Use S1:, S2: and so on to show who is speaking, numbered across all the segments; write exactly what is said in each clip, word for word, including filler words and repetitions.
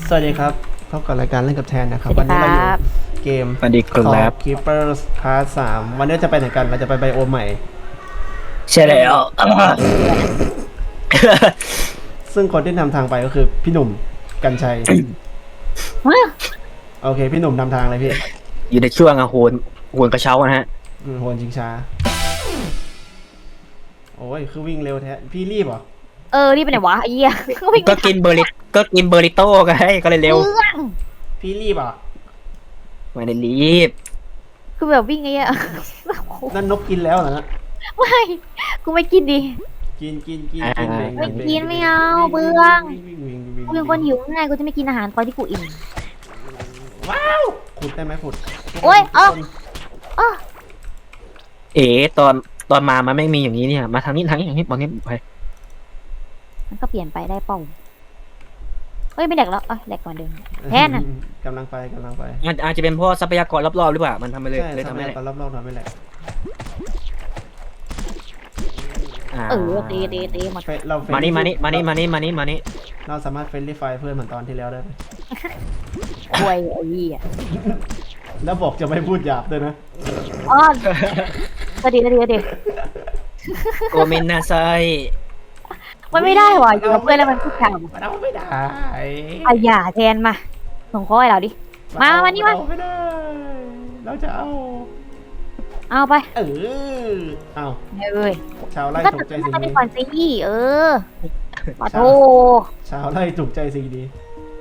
S1: สวัสดีครับพบกับรายการเล่นกับแทนนะครับวันนี้เราอยู่เกม
S2: สวัสดีครับ
S1: Keepers Part สามวันนี้จะไปไหนกันเราจะไปไบโอมใหม่
S2: ใช่แล้ว
S1: ซึ่งคนที่นำทางไปก็คือพี่หนุ่มกัญชัย โอเคพี่หนุ่มนำทางเลยพี่
S2: อยู่ในช่วงอะโหนโหนกระเช้านะฮะ
S1: อืมโหนชิงช้าโอ้ยคือวิ่งเร็วแท้พี่รีบเหรอ
S3: เออนี่เป็นไงวะไอ้เหี้ย
S2: ก็กินเบอร์ริก็กินเบอร์ริโต้กันให้ก็เลยเร็ว
S3: เรื่อง
S1: พี่รีบเหรอ่ะ
S2: ไม่ได้รีบ
S3: คือแบบวิ่งไงอะ
S1: นั่นนกกินแล้วเหรอนะ
S3: ไม่กูไม่กินดิ
S1: กินกินกินกินเบ่ง
S3: ไม่
S1: เบ่ง
S3: กินไม่เอาเบื่อ
S1: วิ่งวิ่งวิ่งวิ่ง
S3: กูเป็นคนหิวง่ายกูจะไม่กินอาหารตอนที่กูอิ่ม
S1: ว้าวขุดได้ไหมขุด
S3: โอ๊ยเอ้า อ้อ
S2: เอ๋ตอนตอนมามันไม่มีอย่างนี้เนี่ยมาทางนี้ทางนี้ทางนี้บอกนี้ไป
S3: มันก็เปลี่ยนไปได้เป้าเฮ้ยไม่แดกแล้วเอ้ยแดกก่อนเดิมแทนน่ะ
S1: กำลังไปกำลังไป
S2: อาจอาจจะเป็นเพราะทรัพยากรรอบๆหรือเปล่ามันทำไปเลย
S1: ใช่
S2: เลย
S1: ทำ
S2: ทำ
S1: ให้
S2: ให้
S1: ตอนรอบๆทำไม่แหละ
S2: อ่า
S3: เออตีตีตีหมด
S1: เฟเรา
S2: มานี่มานี่มานี่มานี่มานี่มานี่
S1: เราสามารถเฟรนลี่ไฟเพื่อนเหมือนตอนที่แล้วได้ไหม
S3: ควยไอ้เหี้ย
S1: แล้วบอกจะไม่พูดหยาบด้วยนะ
S3: อ๋อก็ดีก็ดีก็ดี
S2: โกเมนนาไซ
S3: มันไม่ได้ว่ะอยู่กับเพื่อนแล้วมันพูดข่าว
S1: มันเอาไม่ได้
S3: อ่ะอย่าแทนมาส่งข้อให้เราดิ มามานี่มา
S1: เอไม่ได้ เราจะเอา
S3: เอาไป
S1: เออเอา
S3: เอ้ย
S1: ชาวไร่
S3: ก็
S1: ถู
S3: ตัด
S1: กใจ
S3: สิน
S1: สิ่ง
S3: ใจ
S1: นี้
S3: ก่อนสิเออมาโท
S1: ชาวไร่ถูกใจสิ่งนี้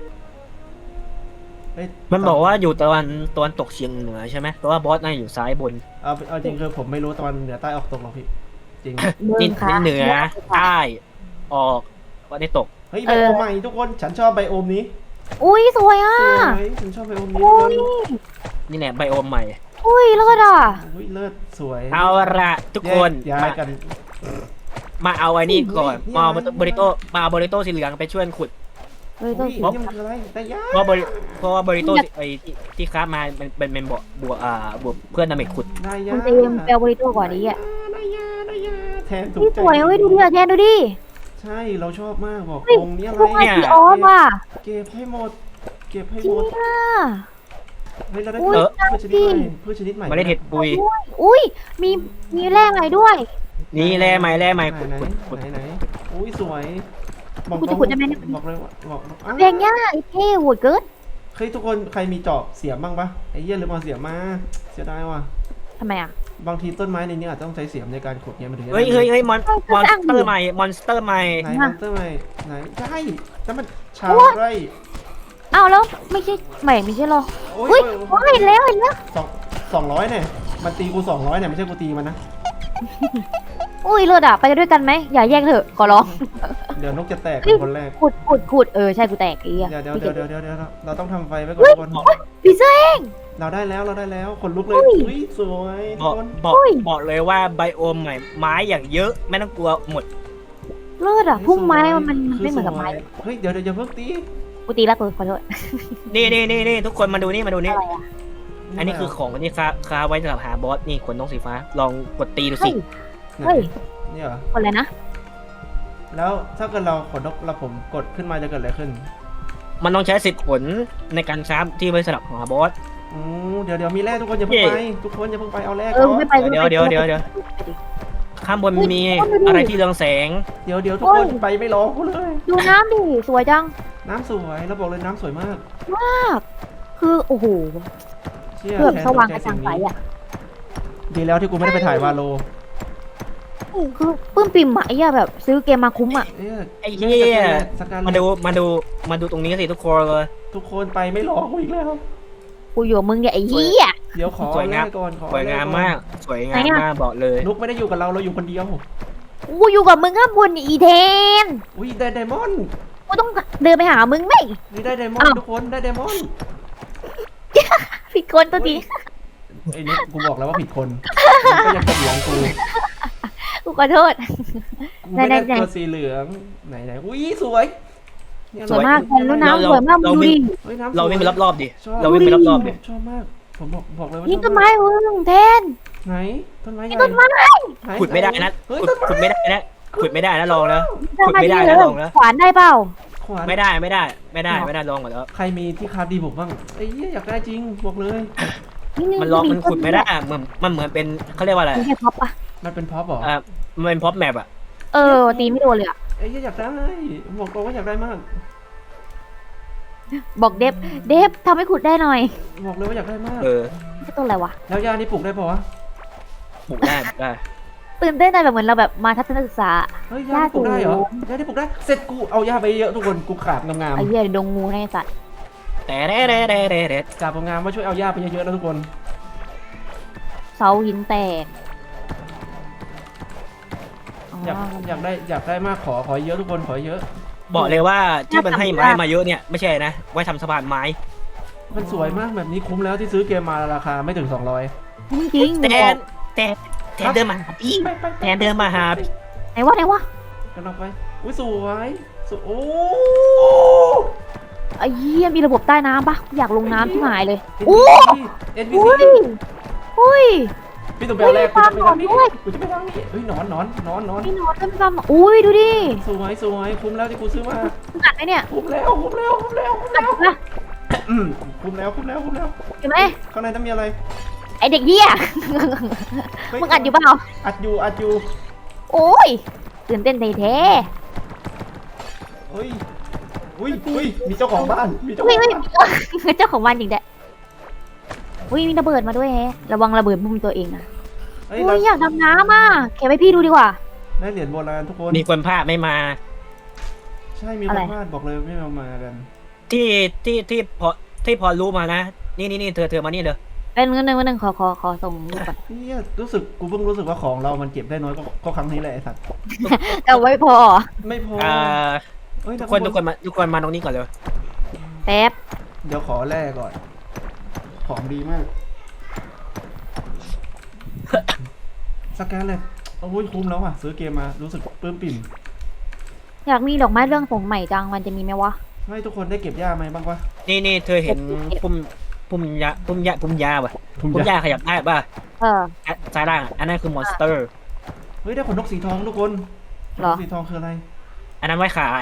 S1: เฮ้ย
S2: มันบอกว่าอยู่ตะวันตะวันตกเฉียงเหนือใช่ไหมแต่ว่าบอสน่าอยู่ซ้ายบน
S1: เอาเอาจริงคือผมไม่รู้ตะวันเหนือใต้ออกตกหรอกพี่ จริง
S3: มึ
S2: นี่
S3: งค่ะ
S2: เหนือใต้ออกวันนี้ตก
S1: เฮ้ยไบโอมใหม่ทุกคน ฉันชอบไบโอมนี้
S3: อุ้ยสวยอ่ะ
S1: สวยฉันชอบไบโอมนี้
S3: อุ้ย
S2: นี่แหละไบโอมใหม่
S3: อุ้ยเลิศอ่ะ
S1: อุ้ยเลิศสวย
S2: เอาละทุกคน
S1: แยกย้ายกัน
S2: มาเอาไอ้นี่ก่อน
S1: เฮ้ย
S2: มาเอา
S1: นี่อะไร
S2: บริโต้มาเอาบริโต้สีเหลืองไปช่วยขุด
S3: เฮ้ย
S1: อุ้
S3: ต้อย ง
S1: นี่มันคืออะไรแต่ยา
S2: เพราะบริเพราะว่าบริโต้ไอ้ที่ที่ค้ามามันเป็นเป็นบวกบวกอ่าบวกเพื่อนดาเมจขุด
S1: ได้ยา
S3: มันเต็มเปลวบริโตก่อนนี้อ่ะ
S1: ได้ยาได้ยาแทนถูก
S3: นี่
S1: ใจ
S3: สวยเฮ้ยดูดิอ่ะแทนดูดิ
S1: ใช่เราชอบมากบอก
S3: เฮ้ย
S1: ตรงนี้อะไร
S3: พวกไอพีออฟอ่ะ
S1: เก็บให้หมด เก็บให้
S3: จริ
S1: หม
S3: ง
S1: ด
S3: อ่ะ
S1: เฮ้ยเราได้
S3: อุ้ย
S1: พืชชนิดใหม่พืชชนิดใหม่
S2: มาเล่นเห็ดปุย
S3: อุ้ยมีมีแร่ใหม่ด้วย
S2: นี่แร่ไม้แร่ไม้
S1: ไหน
S2: ขุด
S1: ไหน
S2: ขุดขุด
S1: ไหนไหนอุ้ยสวยบอก
S3: กูจะขุดได้ไหมเนี่ย
S1: บอกเลยว่าบอกอ้าว
S3: แพงยากไอ้เท่โหดเกิน
S1: เฮ้ยทุกคนใครมีจอบเสียบบ้างปะไอ้เหี้ยลืมเอาเสียบมาเสียดายว่ะ
S3: ทำไมอ่ะ
S1: บางทีต้นไม้ในนี้อาจจะต้องใช้เสียมในการขุดเนี่ยมันถึงจะได้
S2: เฮ้ยเฮ้ยเฮ้ยมอน
S3: เฮ้ย
S2: มอน
S3: สร้าง
S2: สเตอ
S3: ดิ
S2: ร์ใหม่มอนสเตอร์ใหม่
S1: ไหนมอนเตอร์ใหม่ไหนใช่แต่มันชาวไร่
S3: อ้าวแล้วไม่ใช่ใหม่ไม่ใช่หรอ
S1: โอ้ย
S3: อุ้ยโอ้ยเห็นแล้วเห็นแล้ว
S1: สองสองร้อยเนี่ยมันตีกูสองร้อยเนี่ยไม่ใช่กูตีมันนะ
S3: อุ้ยเลิศอ่ะไปกันด้วยกันไหมอย่าแยกเถอะขอร้อง
S1: เดี๋ยวนกจะแตกเป็นคนแรก
S3: ขุดขุดขุดเออใช่กูแตกไอ้เหี้ย
S1: เดี๋ยวเดี๋ยวเดี๋ยวเดี๋ยวเดี๋ยวเดี๋ยวเราต้องทำไฟไว้ก่อนทุกคน
S3: พีเซอร์
S1: เราได้แล้วเราได้แล้วคนลุกเลย
S3: อุ้ย
S1: อุ้ยสวยทุ
S2: บอก
S1: กคน
S2: บอก
S3: อุ้ย
S2: บอกเลยว่าไบโอมใหม่ไม้อย่างเยอะไม่ต้องกลัวหมด
S3: เลิศอ่ะพุ่มไม้มันมันมันไม่เหมือนกับไม้
S1: สวยเฮ้ยเดี๋ยวเดี๋ยวอย่าเพิ่งตี
S3: กูตีแล้วกูขอโทษ
S2: นี่นี่นี่นี่ทุกคนมาดูนี่มาดูนี่
S3: อะไรอ่ะ
S2: อันนี้คือของที่ค้าค้าไว้สำหรับหาบอสนี่ขนนกสีฟ้าลองกดตีดู
S3: เฮ้
S2: สิ
S3: ย
S1: ไหน
S3: เฮ้ย
S1: เนี่ยเหรอ
S3: คนอะไรนะ
S1: แล้วถ้าเกิดเราขนนกเราผมกดขึ้นมาจะเกิดอะไรขึ้น
S2: มันต้องใช้สิบขนในการค้าที่ไว้สำหรับหาบอส
S1: อือเดี๋ยวเดี๋ยวมีแร่ทุกคนอย่าเพิ่ง
S2: เย่
S1: ไปทุกคนอย่าเพิ่งไปเอาแร่
S3: เอ
S1: ก่
S3: อ
S1: อน
S3: ไม่ไป
S2: เดี๋ยวเดี๋ยวเดี๋ยวเดี๋ยวข้างบนมี
S3: เฮ้ย
S2: อะไรที่เรืองแสง
S1: เดี๋ยวเดี๋ยวทุกคนไปไม่รอกูเลย
S3: ดูน้ำดิสวยจัง
S1: น้ำสวยเราบอกเลยน้ำสวยมาก
S3: มากคือโอ้โห
S1: เชี่ย
S3: เครื่อง
S1: แทน
S3: สว่าง
S1: ต
S3: ก
S1: ใจ
S3: ระจ่าง
S1: สิ่
S3: ใส
S1: นี้
S3: อ่ะ
S1: ดีแล้วที่กูไม่ได้ไปถ่ายวาโล
S3: คือปลื้มปิ่มอะไอ้เหี้ยแบบซื้อเกมมาคุ้มอ่ะ
S1: เอ้ย
S2: ไอ้เหี้ย
S1: สการ
S2: มาดูมาดูมาดูตรงนี้สิทุกคนเลย
S1: ทุกคนไปไม่รอกูอีกแล้ว
S3: กูอยู่กับมึงเนี่ยไอ้เหี้ย
S1: เดี๋ยวขอ
S2: สวยงาม
S1: แร่ก่อนขอ
S2: สวยงาม
S1: แร่ก่อน
S2: มาก สวยงาม
S3: ไหนอะ
S2: มากบอกเลย
S1: นุกไม่ได้อยู่กับเราเราอยู่คนเดียว
S3: กูอยู่กับมึงข้างบนอีเทน
S1: อุ้ยได้ไดมอนด์
S3: กูต้องเดินไปหามึงไหม
S1: นี่ได้ไดมอนด์
S3: อ้าว
S1: ทุกคนได้ไดมอนด์
S3: ผิดคนตัวที
S1: ไอ้นี่กูบอกแล้วว่าผิดคนมึงก็ยังเถียงกู
S3: กูขอโทษ
S1: กูไม่ได้
S3: ไหนๆๆ
S1: ตัวสีเหลืองไหนไหนอุ้ยสวยเนี่ย
S3: สวยมาก
S1: เร
S3: แล้วน้ำสวยมากมึงดูดิ
S1: เฮ้ยน้ำสวย
S2: เราวิ่งไปรอบๆดิ
S1: ชอบ
S2: เราวิ่งไปรอบๆดิ
S1: ชอบมากผมบอกบอกเลยว่า
S3: นี่
S1: ชอบ
S3: ต้นไม้มึงแทน
S1: ไหนต้นไม้
S3: นี่
S1: ใหญ่
S3: ต้นไม้
S1: ไห
S2: ขุดไม่ได้นะ
S1: เฮ้ย
S2: ขุด
S1: ต้นไม้
S2: ขุดไม่ได้นะขุดไม่ได้นะลองแล้ว
S3: ทำ
S2: ขุดไม่ได้
S3: เล
S2: นะ
S3: ย
S2: ลองแล้ว
S3: ขวานได้เปล่า
S1: ขวาน
S2: ไม่ได้ไม่ได้ไม่ได้ไม่ได้ลองก่อนแล้ว
S1: ใครมีที่คราฟดีบุกบ้างไอ้เหี้ยอยากได้จริงบอกเลย
S2: มันลองมันขุดไม่ได้เหมือนมันเหมือนเป็นเขาเรียกว่าอะไร
S3: มีแค่ท็อปปะ
S1: มันเป็นพ็อปเหรอ
S2: อ่ามันเป็นพ็อปแมปอะ
S3: เออตีไม่โดนเลยอะ
S1: ไอ้เหี้ยอยากได้บอกเลยว่าอยากได้มาก
S3: บอกเดฟเดฟทำให้ขุดได้หน่อย
S1: บอกเลยว่าอยากได้มาก
S2: เออ
S3: นี่ต้นอะไรวะ
S1: แล้วยานี่ปลูกได้ปะวะ
S2: ปลูกได้ปลูกได้
S3: ตื่นเต้นแต่แบบเหมือนเราแบบมาทัศนศึกษา
S1: เฮ้ยยานี่ปลูกได้เหรอยานี่ปลูกได้เสร็จกูเอายาไปเยอะทุกคนกูขาดงาม
S3: ไอ้เหี้ยดงงูในสัตว์
S2: แต่เด้เด้เด้เด้เด้
S1: ๆขาดงามว่าช่วยเอายาไปเยอะๆแล้วทุกคน
S3: เสาหินแตกอ๋อ
S1: อยากอยากได้อยากได้มากขอขอเยอะทุกคนขอเยอะ
S2: บอกเลยว่าที่มันให้ไม้มาเยอะเนี่ยไม่ใช่นะไว้ทำสะพานไม้
S1: มันสวยมากแบบนี้คุ้มแล้วที่ซื้อเกมมาราคาไม่ถึงสองร้อย
S3: จริงๆ
S2: แต่
S3: บอก
S2: แต่แต่เดินมาหาพี่
S1: ไปไปไป
S2: แทนเดินมาหา
S3: ไหนวะไหนวะ
S1: กันออกไปอุ้ยสวยสวยโอ้
S3: ไอ้เหี้ยมีระบบใต้น้ำปะอยากลงน้ำที่หายเลย
S1: โอ้ เอ็นพี
S3: อุ้ย
S1: ซี
S3: อุ้ย
S1: พี่ต้องไปเอาแรก
S3: เฮ้
S1: กู
S3: ย
S1: จะไปทางนี้
S3: ปลาหนอนด้วย
S1: กูจะไปทางนี้เฮ้ยหนอนหนอนหนอนหนอน
S3: นี่นอนด้วยซ้ำอุ้ยดูดิ
S1: สวยสวยคุ้มแล้วที่กูซื้อมา
S3: กัดไหมเนี่ย
S1: คุ้มแล้วคุ้มแล้วคุ้มแล้วคุ้ม
S3: กัด
S1: แล้ว
S3: นะ
S1: อืมคุ้มแล้วคุ้มแล้วคุ้มแล้ว
S3: เห็นไหม
S1: ข้างในต้องมีอะไร
S3: ไอเด็กเหี้ย มึงอัดอยู่เปล่า
S1: อัดอยู่อัดอยู่
S3: โอ้ยตื่นเต้นแท้
S1: เฮ้ยอุ้ยอุ้ยมีเจ้าของบ้านมี
S3: ๆ
S1: เจ้าข
S3: อุ้
S1: อย ง
S3: อุ้ย
S1: บ้าน
S3: เจ้าของบ้านจริงแดะอุ้ยมีระเบิดมาด้วยแฮะระวังระเบิดมุมตัวเองนะ
S1: เฮ้ย
S3: อุ้
S1: เรา
S3: ยอยากดำน้ำอ่ะแกไปพี่ดูดีกว่า
S1: ได้เหรียญโบราณทุกคน
S2: มีคนพลาดไม่มา
S1: ใช่มีค
S3: อะไร
S1: นพลาดบอกเลยไม่เอามากัน
S2: ที่ที่ที่พอที่พอรู้มานะ นี่นี่นี่เธอเธอมานี่เลย
S3: เป็นเงินหนึ่งเงินหนึ่งขอขอขอส่งรูปก่อน
S1: เนี่ยรู้สึกกูเพิ่งรู้สึกว่าของเรามันเก็บได้น้อยก็ก็ครั้งนี้แหละไอ้สัตว์
S3: แต่ไว้พอ
S1: ไม่พอ
S2: อ่า
S1: เฮ้ย
S2: ทุ
S1: ทุ
S2: ก
S1: ก
S2: ค
S1: คน น
S2: ทุกคนมาทุกคนมาตรงนี้ก่อนเลย
S3: แป๊บ
S1: เดี๋ยวขอแลกก่อน ของดีมาก สแกนเลยโอ้ยคุ้มแล้วอ่ะ ซื้อเกมมารู้สึกปลื้มปิ่ม
S3: อยากมีดอกไม้เรื่องผมใหม่จังมันจะมีไหมวะ
S1: ให้ทุกคนได้เก็บหญ้าไหมบ้างวะ
S2: นี่นี่เธอเห็นปุ่มปุ่มยาปุ่มยาปุ่มยาป่ะปุ่มยาขยับได้ป่ะ
S3: เออ
S2: อ่ะซ้ายล่างอ่ะอันนั้นคือมอนสเตอร์
S1: เฮ้ยได้ขนนกสีทองทุกคน
S3: เหรอ
S1: ขนนกสีทองคืออะไร
S2: อันนั้นไว้ขาย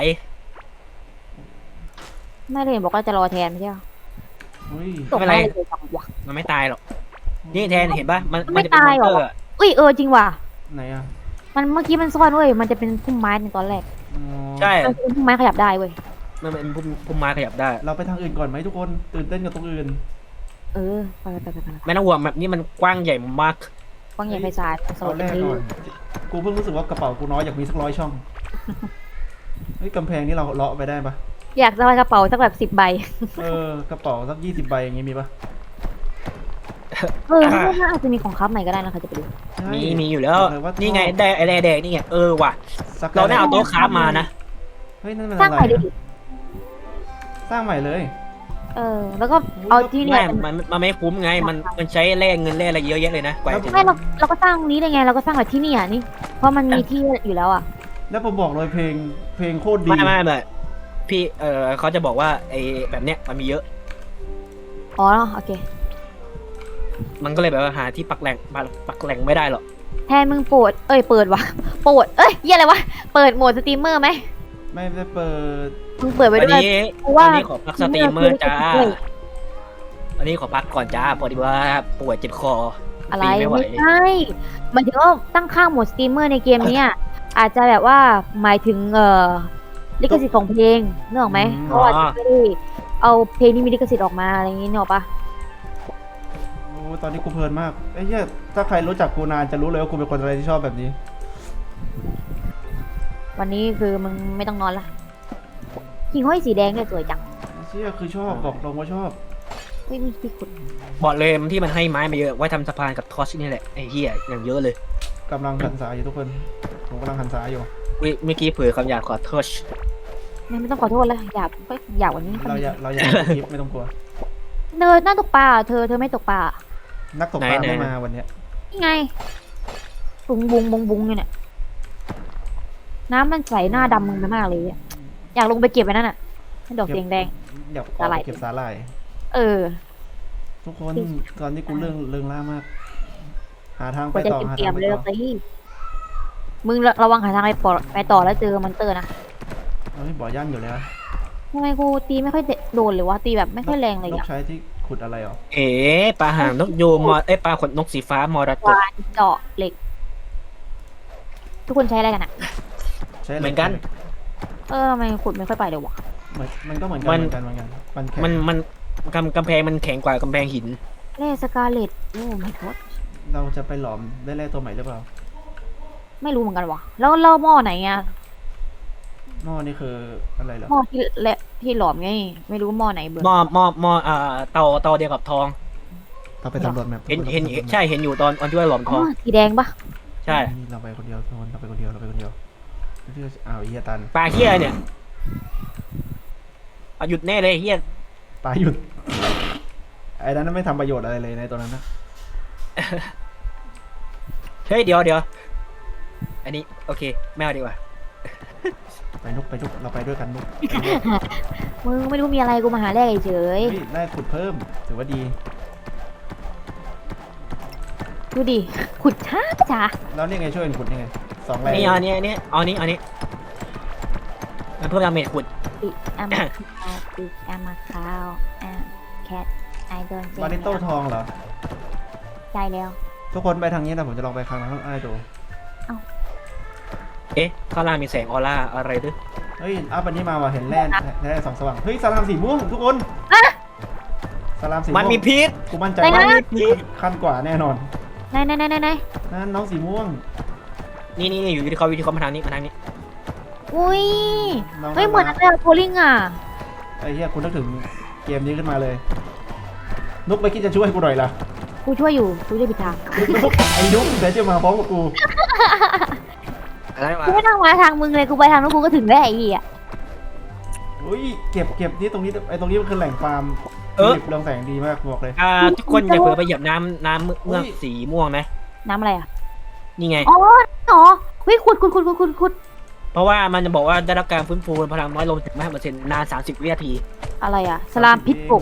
S3: ไม่เลยบอกว่าจะรอแทนไม่ใช่เหรอ
S1: เฮ้ย
S3: ตก
S2: ไม่เป็นไร
S3: ได้เลยจังวะ
S2: มันไม่ตายหรอกนี่แทนเห็นป่ะมัน
S3: ไม่
S2: มันจะเป็นมอน
S3: ตาย
S2: ส
S3: หรอ
S2: เตอร์อะ
S3: อุ้ยเออจริงว่ะ
S1: ไหนอ่ะ
S3: มันเมื่อกี้มันซ่อนเว้ยมันจะเป็นพุ่มไม้ในตอนแรก
S1: อ๋อ
S2: ใช่
S3: มันเป็นพุ่มไม้ขยับได้เว้ย
S2: มันเป็นพุ่มพุ่มไม้ขยับได้
S1: เราไปทางอื่นก่อนไหมทุกคน ตื่นเต้นกับตรงอื่น
S3: เออไปไปไปไป
S2: ไม่ต้องห่วงแบบนี้มันกว้างใหญ่มาก
S3: กว้างใหญ่ไพศาลโซ
S1: เอา
S3: น
S1: แรก
S3: นี้
S1: ก่อน กูเพิ่งรู้สึกว่ากระเป๋ากูน้อยอยากมีสักร้อยช่อง เฮ้ยกำแพงนี่เราเลาะไปได้ปะ
S3: อยากจะไปกระเป๋าสักแบบสิบใบ
S1: เออกระเป๋าสักยี่สิบใบอย่างงี้มีปะ
S3: เออไม่น่าอาจจะมีของคับใหม่ก็ได้นะใครจะไปดู
S1: ใช่
S2: มีมีอยู่แล้ว
S1: บอกเว่า
S2: นี่ไงแดงไอ้แดงแดงนี่ไงเออว่ะ
S1: สัก
S2: เราได้เอาโต๊ะค้าฟมานะ
S1: เฮ้ยนั่นมัน
S3: สร้าง
S1: อะไร
S3: ใหม่ดิ
S1: อะสร้างใหม่เลย
S3: เออ แล้วก็เอาที่เนี่
S2: ไม่
S3: ยเป็น
S2: มันมันไม่คุ้มไงมันมันใช้แลกเงินแลกอะไรเยอะแยะเลยนะกว่าจะถึง
S3: ไม่เราเราก็สร้างนี้ได้ไงเราก็สร้างแบบที่นี่อ่ะนี่ เพราะมันมีที่อยู่แล้วอ่ะ
S1: แล้วผมบอกเลยเพลงเพลงโคตรดี
S2: ไม่ไม่ไม่พี่เออเขาจะบอกว่าไอ้แบบเนี้ยมันมีเยอะ
S3: อ๋อโอเค
S2: มันก็เลยแบบว่าหาที่ปักแหล่งปักปักแหล่งไม่ได้หรอก
S3: แทนมึงโปรดเอ้ยเปิดวะโปรดเอ้ยเหี้ยอะไรวะเปิดโหมดสตรีมเมอร์ไหม
S1: ไม่ได้เปิด
S3: มึงเปิดไว้
S2: อัน
S3: ด้วย
S2: นี้
S3: เพราะว่า
S2: อันนี้ขอพักสตรีมเมอร์จ้า
S3: เฮ้ย
S2: อันนี้ขอพักก่อนจ้าพอดีว่าป่วยเจ็บคอ
S3: อะไร
S2: ตีไม่ไหว
S3: ไม่ใช่หมายถึงว่าตั้งค่าโหมดสตรีมเมอร์ในเกมเนี้ยอาจจะแบบว่าหมายถึงเอ่อลิขสิทธิ์ของเพลงนึกออกไหมเขาอาจจะไม่ได้เอาเพลงที่มีลิขสิทธิ์ออกมาอะไรอย่างงี้นึกออกปะ
S1: โอ้ตอนนี้กูเพลินมากไอ้เหี้ยถ้าใครรู้จักกูนานจะรู้เลยว่ากูเป็นคนอะไรที่ชอบแบบนี้
S3: วันนี้คือมึงไม่ต้องนอนละหิ่งห้อยสีแดงเนี่ยสวยจัง
S1: เชี่ยคือชอบบอกตรงว่าชอบ
S3: เฮ้ยมีที่ขุด
S2: บอกเลยที่มันให้ไม้มาเยอะไว้ทำสะพานกับทอชนี่แหละไอ้เหี้ยอย่างเยอะเลย
S1: กำลังหันษาอยู่ทุกคน ผมกำลังหันษาอยู่
S2: อุ๊ยเมื่อกี้เผยคำหยาบขอทอช
S3: ไม่ไม่ต้องขอโทษแล้วหยาบก็หยาบกวันนี้
S1: เราอย่าเราอย่าคลิปไม่ต้องกลัว
S3: เดินน่าตกปลาเธอเธอไม่ตกปลา
S1: นักตกปลาไม่มาวันเนี้ย
S3: นี่ไงบุงบุงบุงบุงเนี่ยน้ำมันใสหน้าดำมึงไปมากเลยอะอยากลงไปเก็บไว้นั่นน่ะให้ดอกเสียงแดง
S1: อยากอ
S3: สาหร่า
S1: อย กเก็บสาหร่าย
S3: เออ
S1: ทุกคนตอนนี้กูเรื่องเรื่องล่ามาก หาทาง
S3: ก
S1: ไป
S3: ว่าจะ
S1: ต่อหา
S3: เตรีย
S1: ทาม งไป
S3: เลย
S1: ต่อ
S3: สิมึงระระวังหาทางไปปอไปต่อแล้วเจอมอนเตอร์นะ
S1: เฮ้ยบ่อย่านอยู่แล้ว
S3: ทำไมกูตีไม่ค่อยโดนเลยวะตีแบบไม่ค่อยแรงเลย
S1: นก
S3: อ่ะ
S1: ใช้ที่ขุดอะไรหรอ
S2: เอ๋ปลาหางนกยูงมอเอ้ยปลาขนนกสีฟ้ามอระก
S3: วา
S2: ด
S3: นเจาะเหล็ก ทุกคนใช้อะไรกันอ่ะ
S1: ใช้ะไร
S2: เหมือนกัน
S3: เออทำไมขุดไม่ค่อยไปเลยวะ
S1: เหมือนมันก็เหมือนกัน
S2: มัน
S1: เหมือนกันเหมือนกันมันแข็ง
S2: มันมันกำกำแพงมันแข็งกว่ากำแพงหิน
S3: เล่สกาเลตโอ้ไม่ทด
S1: เราจะไปหลอมได้แร่ตัวใหม่หรือเปล่า
S3: ไม่รู้เหมือนกันวะแล้วแล้วหม้อไหนอ่ะ
S1: หม้อนี่คืออะไรเหรอ
S3: หม้อที่เละที่หลอมไงไม่รู้หม้อไหนเบอร์
S2: หม้อหม้อหม้ออ่าเตาเตาเดียวกับทอง
S1: เราไปสำรวจแมพ
S2: เห็นเห็นใช่เห็นอยู่ตอนตอนที่ว่าหลอมท
S3: อ๋
S2: อ
S3: อง สีแดงปะ
S2: ใช่
S1: นี่เราไปคนเดียวทุกคนเราไปคนเดียวเราไปคนเดียวที่อ้าวไอ้เฮียตัน
S2: ปลาเฮียเนี่ยเอาหยุดแน่เลยเฮีย
S1: ปลาหยุดไอ้นั้นไม่ทำประโยชน์อะไรเลยในตัวนั้นนะ
S2: เฮ้ยเดี๋ยวเดี๋ยวอันนี้โอเคไม่เอาดีกว่า
S1: ไปนุกไปนุกเราไปด้วยกันนุก
S3: มึงไม่รู้มีอะไรกูมาหาแรกเฉย
S1: เฮ้ยได้ขุดเพิ่มถือว่าดี
S3: ดูดิขุดช้าช้า
S1: แล้วนี่ไงช่วยกันขุดนี่ไงสองแรง
S2: นี่เอาอันนี้อันนี้เอาอันนี้เอาอันนี้มันเพิ่มดาเมจขุด
S3: ปิอามาคาวปิอามาคาวอ่าแคทไอโดน
S1: บาริโต้ทองเหรอ
S3: ใจแล้ว
S1: ทุกคนไปทางนี้นะผมจะลองไปครั้งนั้นไอ้ดู
S2: เอ๊ะข้างล่างมีแสงออร่าอะไรด้วย
S1: เฮ้ยอัพอันนี้มาว่ะเห็นแร่แร่สองสว่างเฮ้ยสลามสีม่วงทุกคนสลามสีม่วง
S2: มันมีพิษ
S1: กูมั่นใจ
S3: ไหน
S1: ว่า
S3: นะ
S1: ขั้นกว่าแน่นอน
S3: ไหนไหนไหนไหนไหน
S1: นั่นน้องสีม่วง
S2: นี่นี่นี่อยู่ที่เขาวิธีเขามาทางนี้มาทางนี้
S3: อุ้ย
S1: น้อง
S3: เฮ้ยเหมือน
S1: น่า
S3: อะไร
S1: รัก
S3: โพลิงอ่ะ
S1: ไอ้เหี้ยคุณนึกถึงเกมนี้ขึ้นมาเลย นุกไปคิดจะช่วยกูหน่อยล่ะ
S3: กูช่วยอยู่กูช่วยผิดทาง
S1: นุกไอ้นุกเดี๋ยวจะมาพร้อมกับกู
S2: อะไรวะ
S3: กูไม่ต้องมาทางมึงเลยกูไปทางนู้นกูก็ถึงแล้วไอ้เหี้ย
S1: อุ้ยเก็บเก็บนี่ตรงนี้ไอ้ตรงนี้มันคือแหล่งฟาร์ม
S2: เออ
S1: เรืองแสงดีมากบอกเลย
S2: อ่าทุกคนอย่าเผลอไปเหยียบน้ำน้ำเมือกสีม่วงนะ
S3: น้ำอะไรอ่ะ
S2: นี่ไง
S3: อ๋ออ๋อเฮ้ยขุดขุดขุดขุดขุดขุด
S2: เพราะว่ามันจะบอกว่าได้รับการฟื้นฟูพลังน้อยลงถึงห้าเปอร์เซ็นต์นานสามสิบวินาที
S3: อะไรอ่ะสลามพิษปลุก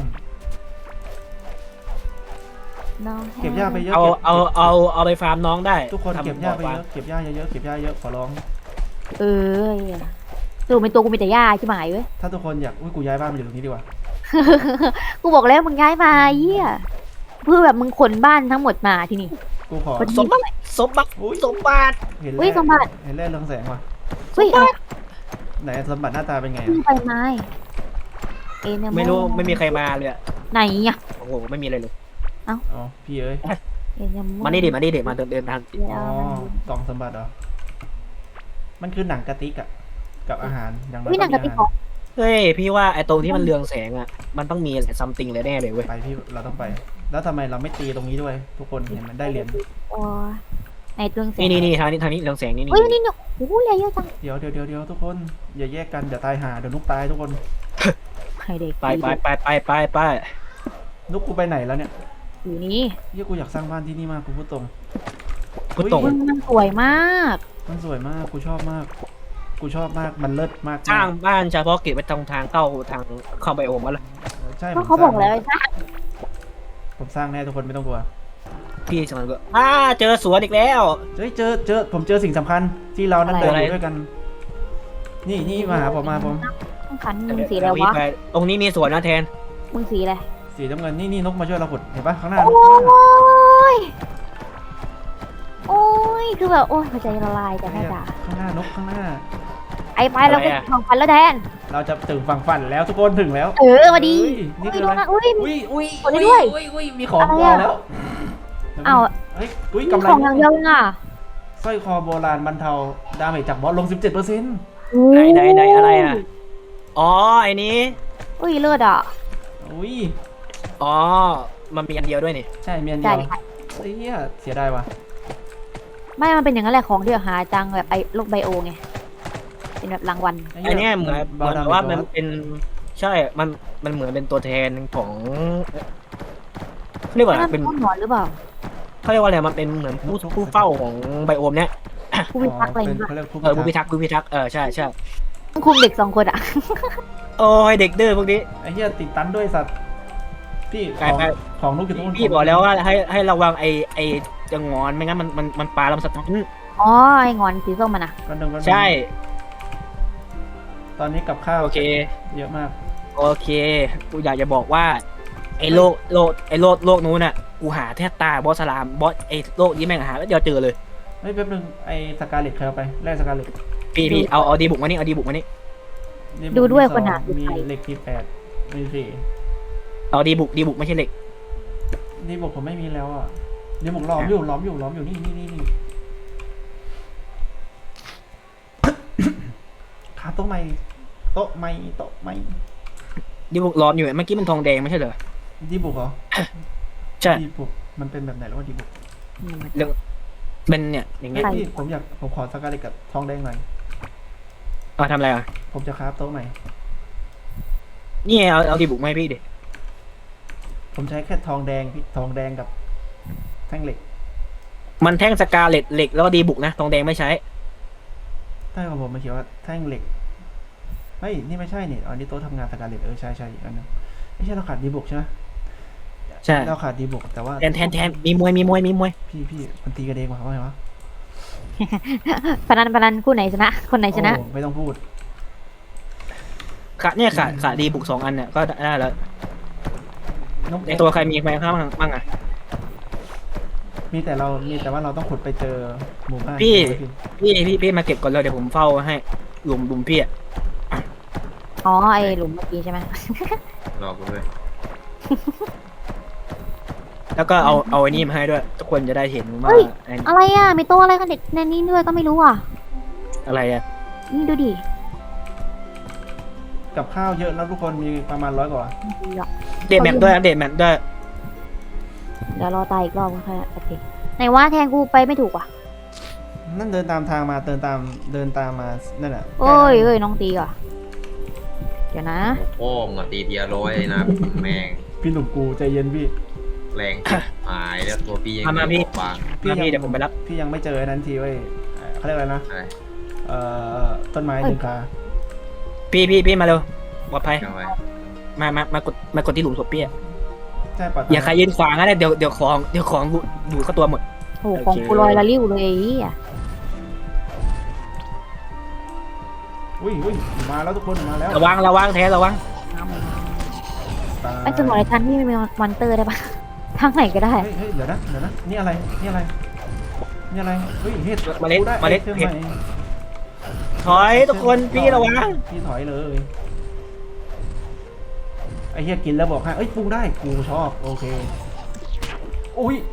S3: น้อง
S1: เก็บหญ้าไปเยอะ
S2: เอา
S1: ก็บ
S2: เอาเอาเอาไปฟาร์มน้องได้
S1: ทุกคน
S2: ทำ
S1: เก็บหญ้าไป
S2: บ่อ
S1: เยอะเก็บหญ้าเยอะๆเก็บหญ้าเยอะขอร้อง
S3: เออตัวเป็นตัวกูมีแต่หญ้าใช่ไหมเว้ย
S1: ถ้าทุกคนอยากอุ้ยกูย้ายบ้านมาอยู่ตรงนี้ดีกว่า
S3: กูบอกแล้วมึงย้ายมาเหี้ยเพื่อแบบมึงขนบ้านทั้งหมดมาที่นี่
S1: กูขอ
S3: คน
S2: สมบัติสมบัติ
S1: อุ้ย
S2: สมบัติ
S1: เห็น
S3: อุ้
S1: แร่
S3: ยสมบัติ
S1: เห็นแร่เรืองแสงว่ะ
S3: เฮ้ยอะไร
S1: ไหนสมบัติหน้าตาเป็นไง
S3: ขึ้น
S1: อะ
S3: ไปไม้เอเนโ
S2: ไม่รู้ไม่มีใครมาเลยอะ
S3: ไหนอ่ะ
S2: โอ้โหไม่มีอะไรเลย
S1: อ๋อพี่เอ้ย
S3: เอเนโ
S2: มานี่ดิมานี่ดิมาเดินเดินทาง
S1: อ๋อกล่องสมบัติเหรอมันคือหนังกระติกอะกับอาหารอย่างน้อย
S3: วินังกะติก
S1: มี
S3: ขอ
S1: อาหาร
S2: เฮ้ยพี่ว่าไอ้ตรงที่มันเรืองแสงอ่ะมันต้องมีอะไรซัมติงเลยแน่เลยเว้ย
S1: ไปพี่เราต้องไป แล้วทำไมเราไม่ตีตรงนี้ด้วย ทุกคนเห็นมันได้เหรียญ
S3: อ๋อในตัวหนังสื
S2: นี่นี่นี่ทางนี้ทางนี้เรืองแสงนี่นี่
S3: เฮ้ยนี่เนี่ยโอ้โหเลยเยอะจัง
S1: เดี๋ยวเดี๋ยวเดี๋ยวเดี๋ยวทุกคนอย่าแยกกันอย่าตายหาเดี๋ยวนุกตายทุกคน
S3: ให้เด็ก
S2: ไปไปไปไปไปไป
S1: นุกกูไปไหนแล้วเนี่ย
S3: อยู่นี่
S1: เฮียกูอยากสร้างบ้านที่นี่มากกูพูดตรง
S2: พุทตรง
S3: มึงมันสวยมาก
S1: มันสวยมากกูชอบมาก กูชอบมากมันเลิศมาก
S2: สร้างบ้านเฉพาะเก็บไว้ตรงทางเข้าทางเข้าไบโอมมาละ
S1: ใช่
S3: ก็
S1: ผม
S3: เขาบอกแล้ว
S1: สร้าง
S3: ใช่
S1: ผมสร้างแน่ทุกคนไม่ต้องกลัว
S2: พี่สมัยก็อ่าเจอสวนอีกแล้ว
S1: เฮ้ยเจอเจอผมเจอสิ่งสำคัญที่เรานั่งเดิน
S2: อะไร
S1: อยู่ด้วยกัน นี่นี่มาหาผมมาผม
S3: ต้องขันมึงสีอะไร
S2: เดี๋ยวพี่
S3: วะ
S2: ไปตรงนี้มีสวนนะแทน
S3: มึงสีอะไร
S1: สีน้ำเงินนี่นี่นกมาช่วยเราขุดเห็นปะข้างหน้า
S3: โอ้
S1: นกข้างหน้าย
S3: โอ้ยคือแบบโอ้ยหัวใจละลายแต่แม่
S1: เนี่ย
S3: จ๋า
S1: ข้างหน้านกข้างหน้า
S3: ไอ้ไปเราไปของฟันแล้วแทน
S1: เราจะถึงฝั่งฝันแล้วทุกคนถึงแล้ว
S3: เออมาดี
S1: เฮ้ยนี่คืออะไร
S3: อุ้ย
S1: อุ้ยอุ้ย
S3: กดได้ด้วย
S1: อุ้ยอุ้ยมีของ
S3: อะไร
S1: วา
S3: อะ
S1: แล้ว
S3: อ้าว
S1: เฮ้ยอุ้ย
S3: มี
S1: กำไร
S3: ของอย่างเดียวเองอ่ะ
S1: สร้อยคอโบราณบรรเทาดาเมจจากบอสลง สิบเจ็ดเปอร์เซ็นต์
S2: ไหนไหนไหนอะไรอ่ะอ๋อไอ้นี้
S3: อุ้ยเลือดอ่ะ
S1: อุ้ย
S2: อ๋อมันมีอันเดียวด้วยนี่
S1: ใช่เมียนเดี
S3: ใช่
S1: ยว
S3: ใช่
S1: เฮ้ยเหี้ยเสียดายว่ะ
S3: ไม่มันเป็นอย่างนั้นแหละของที่หาจังแบบไอ้โรคไบโอไงเป็นแบบรางวัล
S2: ไอ้เนี่ยเหมือนเหมือนว่ามันเป็นใช่มันมันเหมือนเป็นตัวแทนของเขาเรียกว่าอะไร
S3: นั่น
S2: เป็น
S3: ต้นหนอนหรือเปล่า
S2: เขาเรียกว่าอะไรมันเป็นเหมือนผู้ผู้เฝ้าของไบโอมเนี่ย
S3: ผู้พิทักษ์อะไร
S1: เป็น
S3: เงี้ย
S1: เขาเรียกผู้
S2: เออผู้
S1: พิ
S2: พิ
S1: ทักษ์
S2: ทักษ์ผู้พิทักษ์เออใช่ใช่
S3: ต้องคุมเด็กสองคนอ่ะ
S2: โอ้ยเด็กดื้อพวกนี้
S1: ไอ้เหี้ยติดตันด้วยสัตว์พี่ข
S2: กลาย
S1: อง
S2: ไป
S1: ของลูกอยู่ตรงนู้น
S2: พี่บอกแล้วว่าให้ให้ระวังไอไอจะงอนไม่งั้นมันมันมันปลาลำสตัน
S3: อ๋อไอ้งอนสีส้มมันอ่ะ
S1: กันหนึ่งกันหนึ่ง
S2: ใช่
S1: ตอนนี้กับข้าว
S2: โอเค
S1: เยอะมาก
S2: โอเคกูอยากจะบอกว่าไอ้โลกโลกไอ้โลกโลกนู้นน่ะกูหาแทบตายบอสสลามบอสไอ้โลกนี้แม่งหาแล้วเดียวเจอเลย
S1: เฮ้ยแป๊บนึงไอ้สกาเลตใครเอาไปแลกสกาเลต
S2: พี่พี่เอาเอาดีบุกมานี่เอาดีบุกมานี่
S3: ดูด้วยคนหา
S1: มีเหล็กที่แปดมีสี่
S2: เอาดีบุกดีบุกไม่ใช่เหล็ก
S1: นี่บอกผมไม่มีแล้วอ่ะนี่บอกล้อมอยู่ล้อมอยู่ล้อมอยู่นี่นี่นี่นี่ ขาโต๊ะใหม่โต๊ะใหม่โต๊ะใหม่
S2: ดีบุกร้อนอยู่เมื่อกี้มันทองแดงไม่ใช่เหรอ
S1: ดีบุกเหรอ
S2: ใช่
S1: ดีบุกมันเป็นแบบไหนแล้วว่าดีบุก
S2: เรื่องเป็นเนี่ยอย่าง
S1: เฮ้
S2: เงี้
S1: ย
S2: ย
S1: พี่ผมอยากผมขอสกาเลตกับทองแดงหน่อย
S2: เอาทำอะไรอ่ะ
S1: ผมจะคราฟโต๊ะใหม่
S2: นี่ไงเอาเอาดีบุกมาให้พี่ดิ
S1: ผมใช้แค่ทองแดงพี่ทองแดงกับแท่งเหล็ก
S2: มันแท่งสกาเลตเหล็กแล้วก็ดีบุกนะทองแดงไม่ใช้
S1: ใช่ของผมมันเขียนว่าแท่งเหล็กเฮ้ยนี่ไม่ใช่นี่อันนี้โต๊ะทำงานสกาเลตเออใช่ใช่อีกอันนึงไม่ใช่เราขาดดีบุกใช่ไหม
S2: ใช่
S1: เราขาดดีบุกแต่ว่า
S2: แทนแทนแทนมีมวยมีมวยมีมวย
S1: พี่พี่มันตีกันเองวะว่าไงวะ
S3: พนันพนันคู่ไหนชนะ คนไหนชนะ
S1: โอ้ไม่ต้องพูด
S2: ขาเนี่ยขาขาดีบุกสองอันเนี่ยก็ได้แล้ว
S1: น้อง
S2: ในตัวใครมีใครข้างบ้างอ่ะ
S1: มีแต่เรามีแต่ว่าเราต้องขุดไปเจอหมู่บ้าน
S2: พี่
S1: พี่
S2: พี่พี่พี่มาเก็บก่อนเลยเดี๋ยวผมเฝ้าให้หลุมหลุมพี่อ่ะ
S3: อ๋อไอหลุมเมื่อกี้ใช่ไหม
S4: รอกูด้วย
S2: แล้วก็เอาเอาไอ้นี่มาให้ด้วย ทุกคนจะได้เห็นว่าไอ้นี่
S3: อะไรอ่ะมีโต๊ะอะไรกันเด็กในนี้ด้วยก็ไม่รู้อ่ะ
S2: อะไรอ่ะ
S3: นี่ดูดิ
S1: กับข้าวเยอะแล้วทุกคนมีประมาณร้อยกว่า
S2: เดทแมปด้วยนะเดทแมปด้วย
S3: เดี๋ยวรอตายอีกรอบก็ค่อยโอเคไหนว่าแทงกูไปไม่ถูกว่ะ
S1: นั่นเดินตามทางมาเดินตามเดินตามมานั่นแหละ
S3: โอ้ยเอ้ยน้องตีก่ะเดี๋ยวนะ
S4: โอ้งอะตีเทียร้อยนะแม่ง
S1: พี่หนุ่มกูใจเย็นพี่
S4: แรงชิบหายแล้วตัวพี่ยัง
S2: มามาพี่
S4: บาง
S2: มาพี่เดี๋ยวผมไปรับ
S1: พี่ยังไม่เจอไอ้นั้นทีเว้ยเอ่อเขาเรียกอะไรนะ
S4: อะไร
S1: เอ่อต้นไม้ดึงคา
S2: พี่พี่พี่มาเร็วปลอดภัย
S4: เอาไว้
S2: มามามากดมากดที่หลุมศพพี่อะ
S1: ใช่ปะ
S2: อย่าใครยืนขวางนะเดี๋ยวเดี๋ยวของเดี๋ยวของดูดูดเข้าตัวหมด
S3: โอ้โหของกูลอยละลิ้วเลยไอ้เหี้ย
S1: อุ้ยอุ้ยมาแล้วทุกคนมาแล้ว
S2: ระวังระวังแท้ระวัง
S1: ตาย
S3: ไอ้สมองในชั้นที่ไม่มีมอนเตอร์ได้ปะทางไหนก็ได้
S1: เฮ้ยเฮ้ยเดี๋ยวนะเดี๋ยวนะนี่อะไรนี่อะไรนี่อะไรเฮ้ยเฮ็ด
S2: เมล็ด
S1: กูได้
S2: เมล็ด
S1: ไอท
S2: เห็ด
S1: ใหม่
S2: ถอยทุกคนพี่ระวัง
S1: พี่ถอยเลยไอ้เฮียกินแล้วบอกให้เอ้ยปรุงได้กูชอบโอเคอุ้ย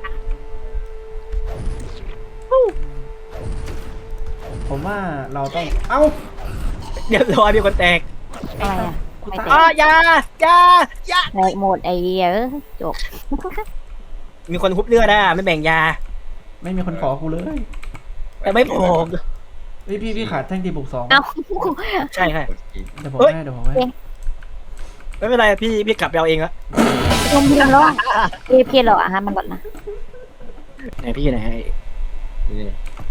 S1: ผมว่าเราต้องเอ้า
S2: เดี๋ยวรอยมีคนแตก
S3: อะไรอ่ะ
S1: กู
S3: ไม่
S1: ตาย
S3: แต
S2: อ๋อก อยาอยาอยา
S3: แตกหมดไอ้เหี้ยเอ้ยจบ
S2: มีคนคุบเลือดอ่ะไม่แบ่งยา
S1: ไม่มีคนขอกูเลย
S2: แต่ไม่พอ
S1: เฮ้ยพี่พี่ขาดแท่งดีบุกสอง
S3: เอ้า
S2: ใช่ใช่
S1: เดี๋ยวผม
S2: เฮ้ย
S1: ให้เดี๋ยวผมให้
S2: ไม่เป็นไรพี่พี่กลับไปเอาเองละ
S3: ลมเพียงแล้วอ่ะเอพียเหรออ่ะฮะมันหลดนะ
S2: ไหนพี่อยู่ไหน
S4: นี่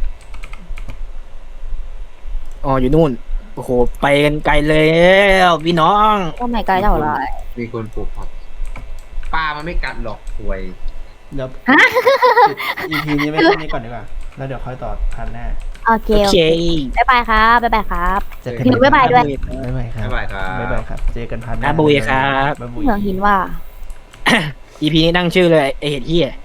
S2: อ๋ออยู่นู่นโอ้โหไปกันไกลเลยแล้วพี่น้อง
S3: ก็ไม่ไกลเท่าไหร่
S4: มีคนปลูกผักปลามันไม่กัดหรอกป่วย
S1: เดี๋ยวอีพีนี้ไม่แค่นี้ก่อนดีกว่าแล้วเดี๋ยวค่อยต่อพันแน่
S3: โอเค
S2: โอ
S3: โอ
S2: เค
S3: เคบ๊ายบายครับบ๊ายบายครับ
S1: เจอกัน
S3: เดี๋ยวบ๊ายบายด้วย
S1: บ๊ายบายครับ
S4: บ๊ายบายครับ
S1: บ๊ายบายครับเจอกันพันหน้า
S2: อาบุยครับ
S1: บ๊ายบุย
S3: เหมืองหินว่า
S2: อีพีนี้ตั้งชื่อเลยไอเห็ดเหี้ย